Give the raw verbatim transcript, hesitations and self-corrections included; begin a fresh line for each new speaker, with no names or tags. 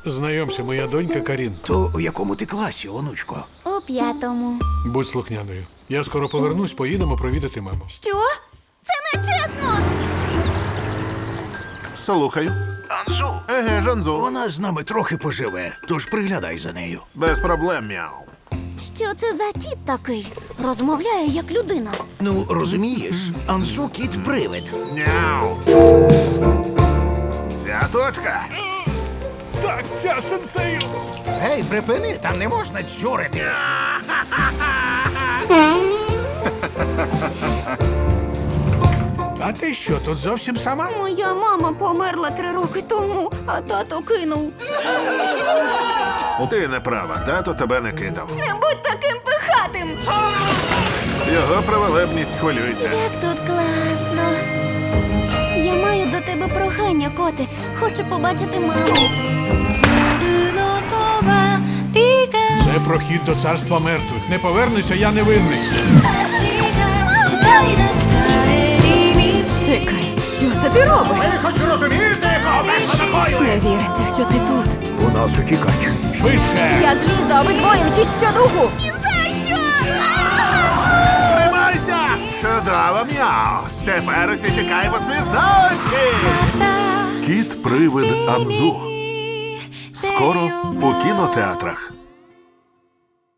Знайомся, моя донька Карін.
То у якому ти класі, онучко?
У п'ятому.
Будь слухняною. Я скоро повернусь, поїдемо провідати маму.
Що? Це не чесно!
Слухаю.
Анзу.
Еге, Жанзу.
Вона з нами трохи поживе, тож приглядай за нею.
Без проблем, мяу.
Що це за кіт такий? Розмовляє як людина.
Ну, розумієш, Анзу кіт-привид.
Мяу. Ця точка.
Так, ця сенсею!
Гей, припини, там не можна чурити. А ти що, тут зовсім сама?
Моя мама померла три роки тому, а тато кинув.
Ти не права, тато тебе не кидав.
Не будь таким пихатим!
Його праволебність хвилюється.
Як тут класно. Я маю до тебе прохання, коти. Хочу побачити маму.
Це прохід до царства мертвих. Не повернуся, я невинний.
Чекай, що це ти робиш?
Ви хоч розумієте, кого такою?
Не віриться, що ти тут.
У нас утікать.
Швидше!
Я злізу, а ви двоє мчіть щодуху.
Тримайся! Чудово, мяу. Тепер усі тікаємо світ за очі. Кіт-привид Анзу. Скоро у кінотеатрах.